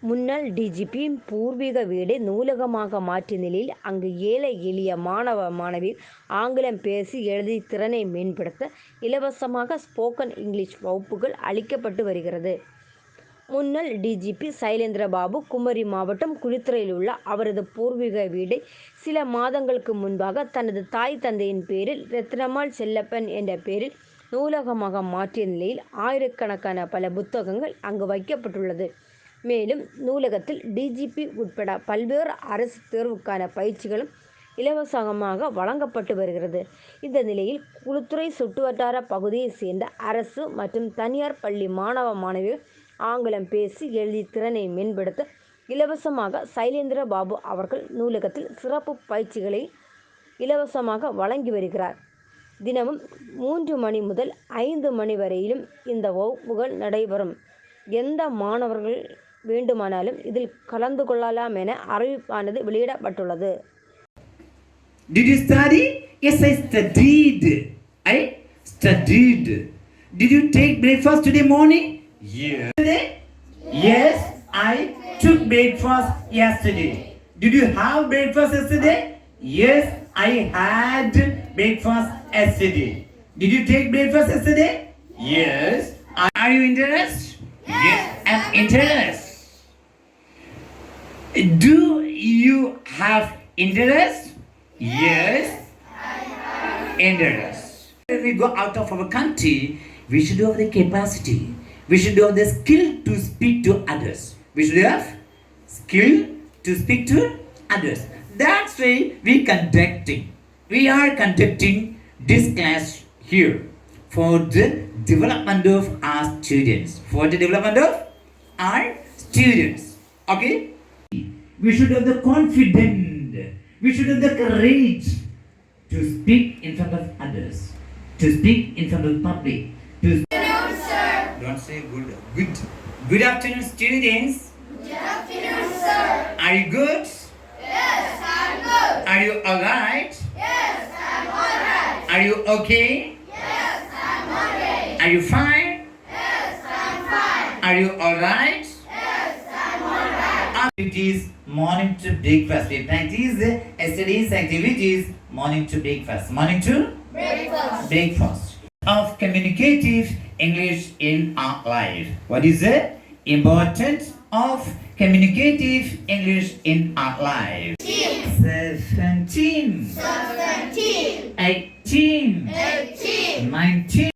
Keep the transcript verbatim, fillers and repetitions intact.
முன்னாள் டிஜிபியின் பூர்வீக வீடை நூலகமாக மாற்றிய நிலையில் அங்கு ஏழை எளிய மாணவ மாணவியர் ஆங்கிலம் பேசி எழுதி திறனை மேம்படுத்த இலவசமாக ஸ்போக்கன் இங்கிலீஷ் வகுப்புகள் அளிக்கப்பட்டு வருகிறது. முன்னாள் டிஜிபி சைலேந்திரபாபு குமரி மாவட்டம் குளித்துறையில் உள்ள அவரது பூர்வீக வீடை சில மாதங்களுக்கு முன்பாக தனது தாய் தந்தையின் பேரில் ரத்னம்மாள் செல்லப்பன் என்ற பெயரில் நூலகமாக மாற்றிய நிலையில் ஆயிரக்கணக்கான பல புத்தகங்கள் அங்கு வைக்கப்பட்டுள்ளது. மேலும் நூலகத்தில் டிஜிபி உட்பட பல்வேறு அரசு தேர்வுக்கான பயிற்சிகளும் இலவசமாக வழங்கப்பட்டு வருகிறது. இந்த நிலையில் குளித்துறை சுற்றுவட்டார பகுதியைச் சேர்ந்த அரசு மற்றும் தனியார் பள்ளி மாணவ மாணவியர் ஆங்கிலம் பேசி எழுதி திறனை மேம்படுத்த இலவசமாக சைலேந்திரபாபு அவர்கள் நூலகத்தில் சிறப்பு பயிற்சிகளை இலவசமாக வழங்கி வருகிறார். தினமும் மூன்று மணி முதல் ஐந்து மணி வரையிலும் இந்த வகுப்புகள் நடைபெறும். எந்த மாணவர்கள் வேண்டுமானாலும் இதில் கலந்து கொள்ளலாம் என அறிவிப்பானது வெளியிடப்பட்டுள்ளது. Did you study? Yes, I studied. I studied. Did you take breakfast today morning? Yes. Yes, I took breakfast yesterday. Did you have breakfast yesterday? Yes, I had breakfast yesterday. Did you take breakfast yesterday? Yes. Are you interested? Yes, I'm interested. Do you have interest? Yes, I have interest. When we go out of our country, we should have the capacity. We should have the skill to speak to others. We should have skill to speak to others. That's why we conducting. We are conducting this class here for the development of our students. For the development of our students. Okay? We should have the confidence. We should have the courage to speak in front of others. To speak in front of public. To Good afternoon, sir. Don't say good. Good. Good afternoon, students. Good afternoon, sir. Are you good? Yes, I'm good. Are you alright? Yes, I'm alright. Are you okay? Yes, I'm okay. Are you fine? Yes, I'm fine. Are you alright? Yes, I'm alright. Activities morning to breakfast. We practice the yesterday's activities morning to breakfast. Morning to Breakfast. breakfast. Of communicative English in our life. What is the importance of communicative English in our life? Seventeen. Seventeen. Eighteen. Eighteen. Nineteen.